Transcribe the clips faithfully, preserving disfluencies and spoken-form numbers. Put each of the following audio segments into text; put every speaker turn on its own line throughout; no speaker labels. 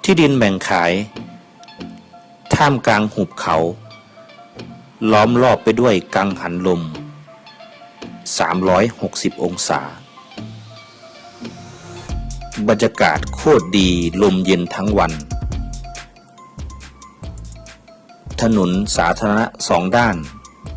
ที่ดินแบ่งขายท่ามกลางหุบเขาล้อมรอบไปด้วยกังหันลมสามร้อยหกสิบองศาบรรยากาศโคตรดีลมเย็นทั้งวันถนนสาธารณะสองด้าน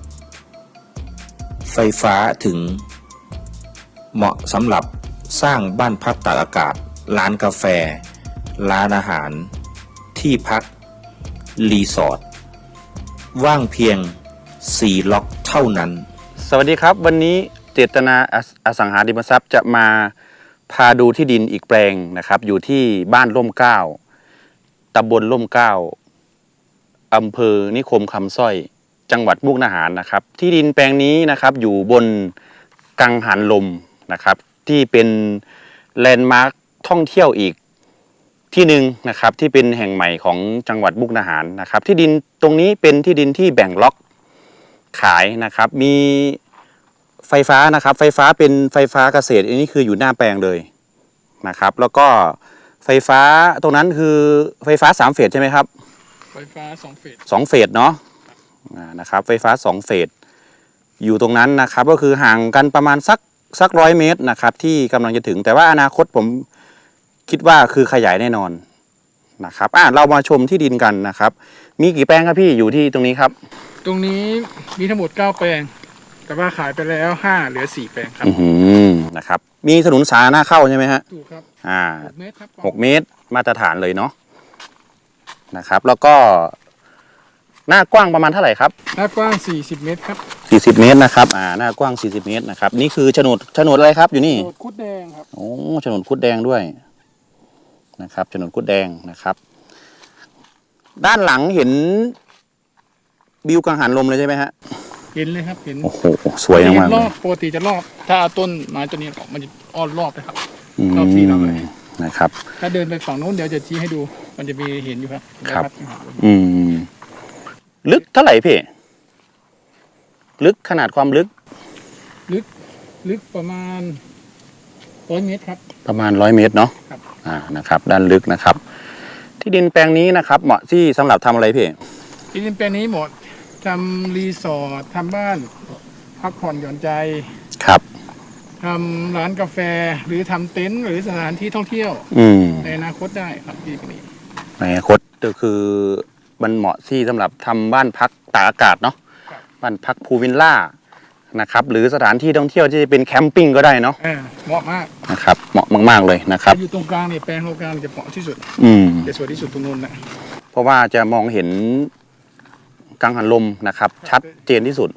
ไฟฟ้าถึงเหมาะสำหรับสร้างบ้านพักตากอากาศร้านกาแฟร้านอาหารที่พักรีสอร์ทว่างเพียงสี่ล็อกเท่านั้น
สวัสดีครับวันนี้เจตนาอสังหาริมทรัพย์จะมาพาดูที่ดินอีกแปลงนะครับอยู่ที่บ้านร่มเกล้าตำบลร่มเกล้าอำเภอนิคมคำสร้อยจังหวัดมุกดาหารนะครับที่ดินแปลงนี้นะครับอยู่บนกังหันลมนะครับที่เป็นแลนด์มาร์คท่องเที่ยวอีกที่หนึ่งนะครับที่เป็นแห่งใหม่ของจังหวัดมุกดาหารนะครับที่ดินตรงนี้เป็นที่ดินที่แบ่งล็อกขายนะครับมีไฟฟ้านะครับไฟฟ้าเป็นไฟฟ้าเกษตรอันนี้คืออยู่หน้าแปลงเลยนะครับแล้วก็ไฟฟ้าตรงนั้นคือไฟฟ้าสามเฟสใช่ไหมครับ
ไฟฟ้าสองเฟส
สองเฟสเนาะนะครับไฟฟ้าสองเฟสอยู่ตรงนั้นนะครับก็คือห่างกันประมาณสักสักร้อยเมตรนะครับที่กำลังจะถึงแต่ว่าอนาคตผมคิดว่าคือขยายแน่นอนนะครับอ่ะเรามาชมที่ดินกันนะครับมีกี่แปลงครับพี่อยู่ที่ตรงนี้ครับ
ตรงนี้มีทั้งหมดเก้าแปลงแต่ว่าขายไปแล้วห้าเหลือสี่แปลงครับ
อืมนะครับมีถนนสาธารณะเข้าใช่ไหมฮะ
ถูกครับ
อ่า
หกเมตรครับ
หกเมตรมาตรฐานเลยเนาะนะครับแล้วก็หน้ากว้างประมาณเท่าไหร่ครับ
หน้ากว้างสี่สิบเมตรครับ
สี่สิบเมตรนะครับอ่าหน้ากว้างสี่สิบเมตรนะครับนี่คือโฉนดโฉนดอะไรครับอยู่นี่
โฉนดคุดแดงครับ
โอ้โฉนดคุดแดงด้วยนะครับโฉนดคุดแดงนะครับด้านหลังเห็นวิวกังหันลมเลยใช่ไหมฮะ
เห็นเลยครับเห็น
โอ้โหสวยมาก
รอบปกติจะรอบถ้าต้นไม้ตัวนี้มันจะอ้อมรอบเลยครับรอบที่เราเลย
นะครับ
ถ้าเดินไปฝั่งโน้นเดี๋ยวจะชี้ให้ดูมันจะมีเห็นอยู่ครับ
ครับอืมลึกเท่าไหร่พี่ลึกขนาดความลึก
ลึกลึกประมาณร้อยเมตรครับ
ประมาณร้อยเมตรเนาะ
ครับ
อ่านะครับด้านลึกนะครับที่ดินแปลงนี้นะครับเหมาะที่สำหรับทำอะไรพี่
ที่ดินแปลงนี้เหมาะทำรีสอร์ททำบ้านพักผ่อนหย่อนใจ
ครับ
ทำร้านกาแฟหรือทำเต็นท์หรือสถานที่ท่องเที่ยวในอนาคตได้ครับที่นี้
ในอนาคตก็คือมันเหมาะที่สำหรับทำบ้านพักตากอากาศเนาะบ้านพักพูลวิลล่านะครับหรือสถานที่ท่องเที่ยวที่จะเป็นแคมปิ้งก็ได้เนาะ
เหมาะมาก
นะครับเหมาะมากๆเลยนะครับ
อยู่ตรงกลางเนี่ยแปลงตรงกลางจะเหมาะที่สุด
อืม
จะสวยที่สุดตรงนู้นนะ
เพราะว่าจะมองเห็นกังหันลมนะครับชัดเจนที่สุด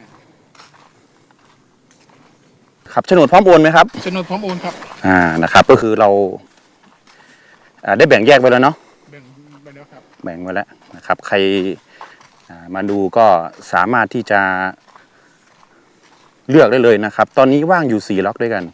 ครับโฉนดพร้อมโอนไหมครับ
โฉนดพร้อมโอนครับ
อ่านะครับก็คือเราได้แบ่งแยกไว้แล้วเนาะ
แบ่งไปแล้วครับ
แบ่งไว้แล้วนะครับใครมาดูก็สามารถที่จะเลือกได้เลยนะครับตอนนี้ว่างอยู่สี่ล็อกด้วยกัน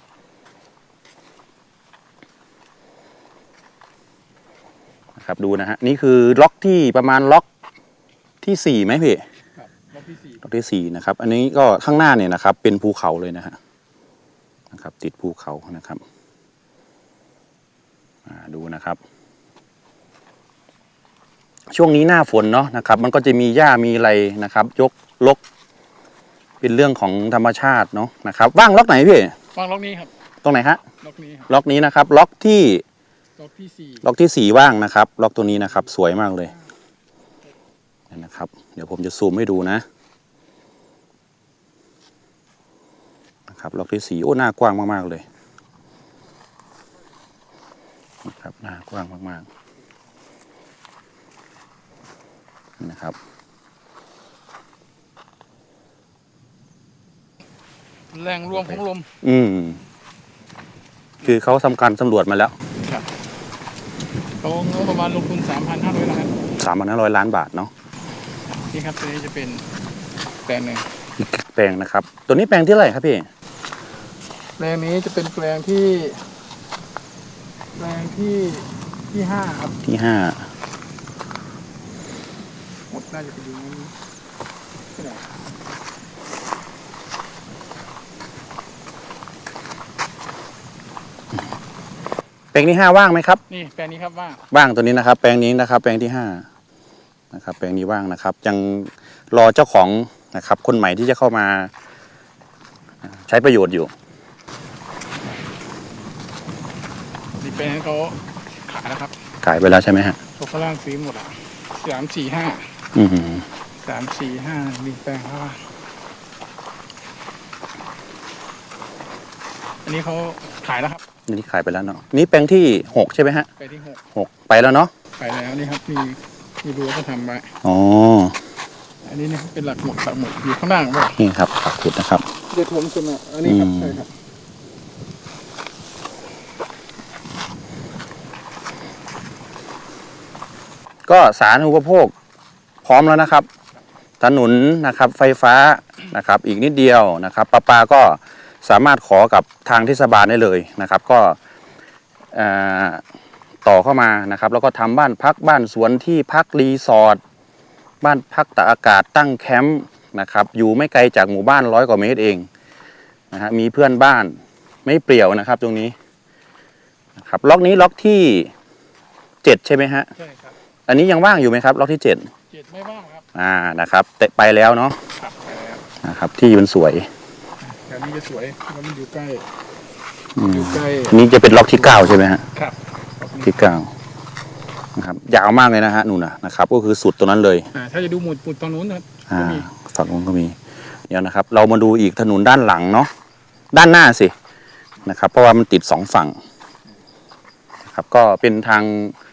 นะครับดูนะฮะนี่คือล็อกที่ประมาณล็อกที่สี่ไหมพี่
ล็อกที่สี่
ล็อกที่สี่นะครับอันนี้ก็ข้างหน้าเนี่ยนะครับเป็นภูเขาเลยนะฮะนะครับติดภูเขานะครับดูนะครับช่วงนี้หน้าฝนเนาะนะครับมันก็จะมีหญ้ามีอะไรนะครับยกลกเป็นเรื่องของธรรมชาติเนาะนะครับว่างล็อกไหนพี่
ว่างล็อกนี้ครับ
ตรงไหนฮะ
ล็อกนี้
ล็อกนี้นะครับล็อกที่
ล็อกที่สี่
ล็อกที่สี่ว่างนะครับล็อกตัวนี้นะครับสวยมากเลยนะครับเดี๋ยวผมจะซูมให้ดูนะนะครับล็อกที่สี่โอ้หน้ากว้างมากๆเลยนะครับหน้ากว้างมากๆนะครับ
แรงรวมของลม
อืมคือเขาทำการสำรวจมาแล้ว
ครับเขาประมาณลงทุนสามพันห้าร้อยล้าน
สามพันห้าร้อยล้านบาทเนาะ
นี่ครับตัวนี้จะเป็นแปลงหนึ่ง
แปลงนะครับตัวนี้แปลงที่เท่าไหร่ครับพี่
แปลงนี้จะเป็นแปลงที่แปลงที่ที่ห้าครับ
ที่ห้า
หมดน่าจะไปดูนั้นที่ไหน
แปลงที่ห้าว่างไหมครับ
นี่แปลงนี้ครับว่าง
ว่างตัวนี้นะครับ แปลงนี้นะครับ แปลงที่ห้านะครับ แปลงนี้ว่างนะครับ ยังรอเจ้าของนะครับ คนใหม่ที่จะเข้ามาใช้ประโยชน์อยู่
นี่แปลงเขาขายแล้วครับ
ขายไปแล้วใช่ไหมฮะ
พวกฝรั่งซื้อหมดอ่ะสามสี่ห้า
อือหือ
สามสี่ห้ามีแปลงเขาว่าอันนี้เขาขายแล้วครับ
นี่ขายไปแล้วเนาะนี่แปลงที่หกใช่ไหมฮะ
ไปที่หก
หกไปแล้วเนาะ
ไปแล้วนี่ครับมีมีรั้วก็ทำไว้
อ๋อ
อันนี้เนี่ยเป็นหลักหมุดหลักหมุดอยู่ข้างล่างป่ะ
นี่ครับปักขุดนะครับ
เดี๋ยวผมจะมาอันนี้ครับ
อืม
ใช่ครับ
ก็สาธารณูปโภคพร้อมแล้วนะครับ ถนนนะครับไฟฟ้านะครับอีกนิดเดียวนะครับประปาก็สามารถขอกับทางเทศบาลได้เลยนะครับ ก็เอ่อต่อเข้ามานะครับ แล้วก็ทำบ้านพักบ้านสวนที่พักรีสอร์ทบ้านพักตากอากาศตั้งแคมป์นะครับอยู่ไม่ไกลจากหมู่บ้านร้อยกว่าเมตรเองนะฮะมีเพื่อนบ้านไม่เปรี่ยวนะครับตรงนี้นะครับล็อกนี้ล็อกที่เจ็ดใช่ไหมฮะ
ใช่ครับ
อันนี้ยังว่างอยู่ไหมครับล็อกที่เจ็ด
เจ็ดไม่ว่างครับ
อ่านะครับแต่ไปแล้วเนาะ
ครับไปแล้ว
นะครับที่มันสวย
แถวนี้จะสวยเพราะมันอยู่ใกล้
อืม
อยู่ใกล้
อันนี้จะเป็นล็อกที่เก้าใช่ไหมฮะ
ครับ
ที่เก้านะครับยาวมากเลยนะฮะนู่นนะนะครับ ก็คือสุดตัวนั้นเลย
อ่าถ้าจะดูหมุดหมุดตรงนู้นนะครับ
อ่า
ก็มี
ฝั่งนู้นก็มีเดี๋ยวนะครับ เรามาดูอีกถนนด้านหลังเนาะด้านหน้าสินะครับ เพราะว่ามันติดสองฝั่งนะครับก็เป็นทาง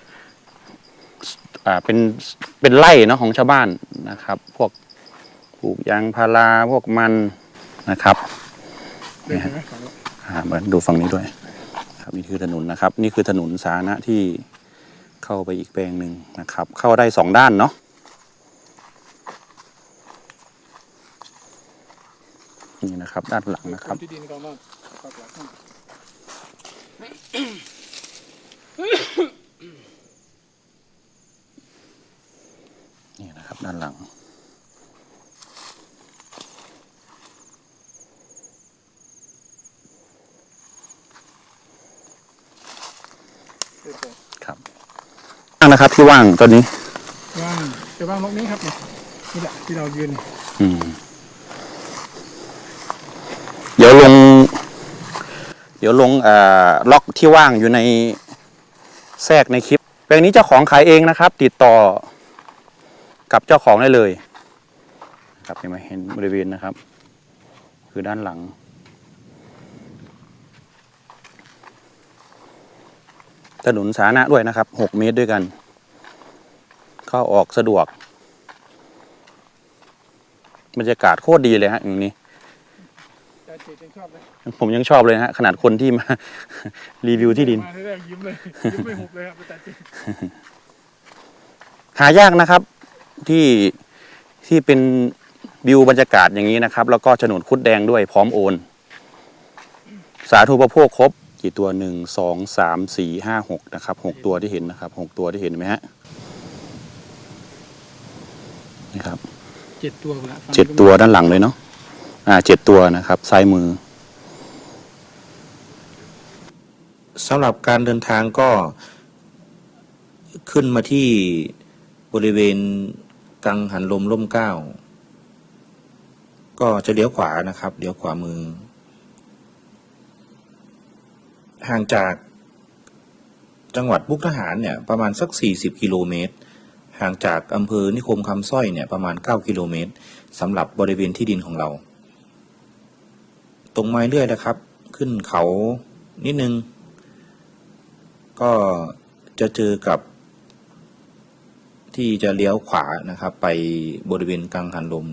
อ่าเป็นเป็นไร่เนาะของชาวบ้านนะครับ พวกปลูกยางพาราพวกมันนะครับ
เดินไปไหมฝั่งนู้น
อ่ามาดูฝั่งนี้ด้วยครับนี่คือถนนนะครับ นี่คือถนนสาธารณะที่เข้าไปอีกแปลงหนึ่งนะครับ เข้าได้สองด้านเนาะนี่นะครับ ด้านหลังนะครับ
ที่ดินเขาบ้างปักหลักให้
นี่นะครับด้านหลัง
เดินไป
ครับว่างนะครับที่ว่างตอนนี้
ว่างจะว่างล็อกนี้ครับเนี่ยนี่แหละที่เรายืน
อืมเดี๋ยวลง เดี๋ยวลงเอ่อล็อกที่ว่างอยู่ในแทรกในคลิปแปลงนี้เจ้าของขายเองนะครับ ติดต่อกับเจ้าของได้เลยครับเห็นไหมเห็นบริเวณนะครับ คือด้านหลัง ถนนสาธารณะด้วยนะครับหกเมตรด้วยกัน เข้าออกสะดวกบรรยากาศโคตรดีเลยฮะอย่างนี้
แต่เจดยังชอบเลย
ผมยังชอบเลยฮะขนาดคนที่มา รีวิวที่ดิน
มาแรกๆยิ้มเลยยิ้มไม่หุบเลยครับแต่เจด
หายากนะครับที่ที่เป็นวิวบรรยากาศอย่างนี้นะครับ แล้วก็โฉนดคุดแดงด้วยพร้อมโอน สาธารณูปโภคครบกี่ตัวหนึ่งสองสามสี่ห้าหกนะครับหกตัวที่เห็นนะครับหกตัวที่เห็นไหมฮะนี่ครับ
เจ็ดตัวละ
เจ็ดตัวด้านหลังเลยเนาะอ่าเจ็ดตัวนะครับซ้ายมือ
สำหรับการเดินทางก็ขึ้นมาที่บริเวณกังหันลมร่มเกล้าก็จะเลี้ยวขวานะครับเลี้ยวขวามือ ห่างจากจังหวัดมุกดาหารเนี่ยประมาณสักสี่สิบกิโลเมตรห่างจากอำเภอนิคมคำสร้อยเนี่ยประมาณเก้ากิโลเมตรสำหรับบริเวณที่ดินของเรา ตรงมาเรื่อยนะครับ ขึ้นเขานิดนึง ก็จะเจอกับที่จะเลี้ยวขวานะครับ ไปบริเวณกังหันลม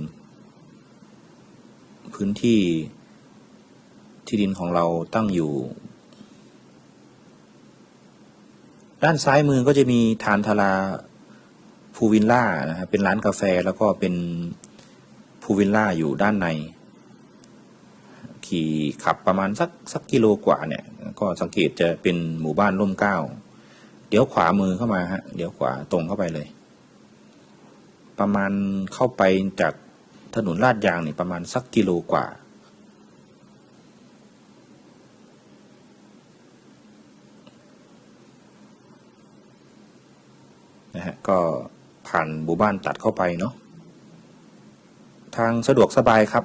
พื้นที่ที่ดินของเราตั้งอยู่ ด้านซ้ายมือก็จะมีทานทาราพูวิลล่านะครับเป็นร้านกาแฟแล้วก็เป็นพูวิลล่าอยู่ด้านใน ขี่ขับประมาณสักสักกิโลกว่าเนี่ยก็สังเกตจะเป็นหมู่บ้านร่มเกล้าเดี๋ยวขวามือเข้ามาฮะเดี๋ยวขวาตรงเข้าไปเลย ประมาณเข้าไปจากถนนลาดยางนี่ประมาณสักกิโลกว่านะฮะก็ผ่านหมู่บ้านตัดเข้าไปเนาะทางสะดวกสบายครับ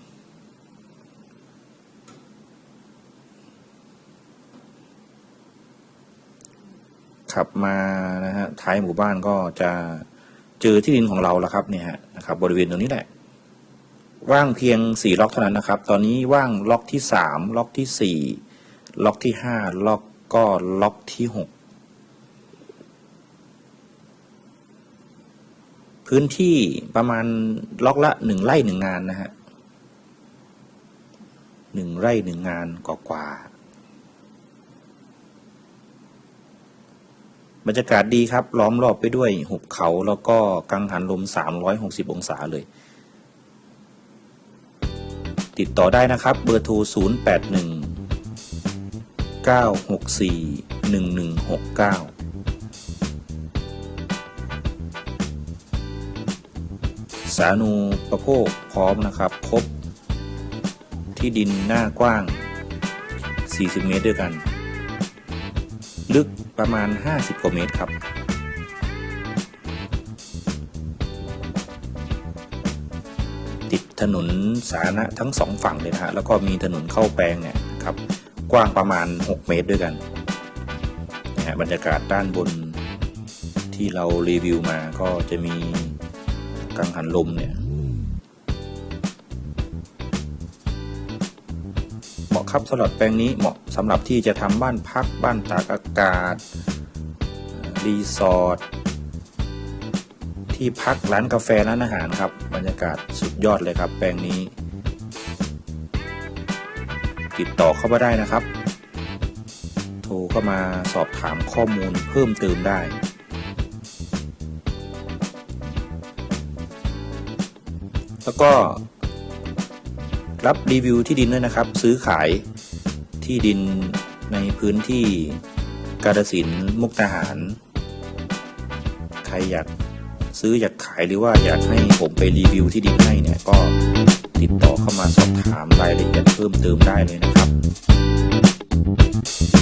ขับมานะฮะท้ายหมู่บ้านก็จะเจอที่ดินของเราแล้วครับเนี่ยฮะนะครับบริเวณตรงนี้แหละว่างเพียงสี่ล็อกเท่านั้นนะครับตอนนี้ว่างล็อกที่สามล็อกที่สี่ล็อกที่ห้าล็อกก็ล็อกที่หกพื้นที่ประมาณล็อกละหนึ่งไร่หนึ่งงานนะฮะหนึ่งไร่หนึ่งงานกว่าบรรยากาศดีครับล้อมรอบไปด้วยหุบเขาแล้วก็กังหันลมสามร้อยหกสิบองศาเลยติดต่อได้นะครับเบอร์โทรศูนย์ แปด หนึ่ง เก้า หก สี่ หนึ่ง หนึ่ง หก เก้าสาธารณูปโภคพร้อมนะครับครบที่ดินหน้ากว้างสี่สิบเมตรด้วยกันลึกประมาณห้าสิบกว่าเมตรครับติดถนนสาธารณะทั้งสองฝั่งเลยนะฮะแล้วก็มีถนนเข้าแปลงเนี่ยครับกว้างประมาณหกเมตรด้วยกันนะฮะบรรยากาศด้านบนที่เรารีวิวมาก็จะมีกังหันลมเนี่ยเหมาะครับสำหรับแปลงนี้เหมาะสำหรับที่จะทำบ้านพักบ้านตากอากาศรีสอร์ทที่พักร้านกาแฟร้านอาหารครับบรรยากาศสุดยอดเลยครับแปลงนี้ติดต่อเข้ามาได้นะครับโทรเข้ามาสอบถามข้อมูลเพิ่มเติมได้แล้วก็รับรีวิวที่ดินด้วยนะครับซื้อขายที่ดินในพื้นที่กาฬสินธุ์มุกดาหารใครอยากซื้ออยากขายหรือว่าอยากให้ผมไปรีวิวที่ดินให้เนี่ยก็ติดต่อเข้ามาสอบถามรายละเอียดเพิ่มเติมได้เลยนะครับ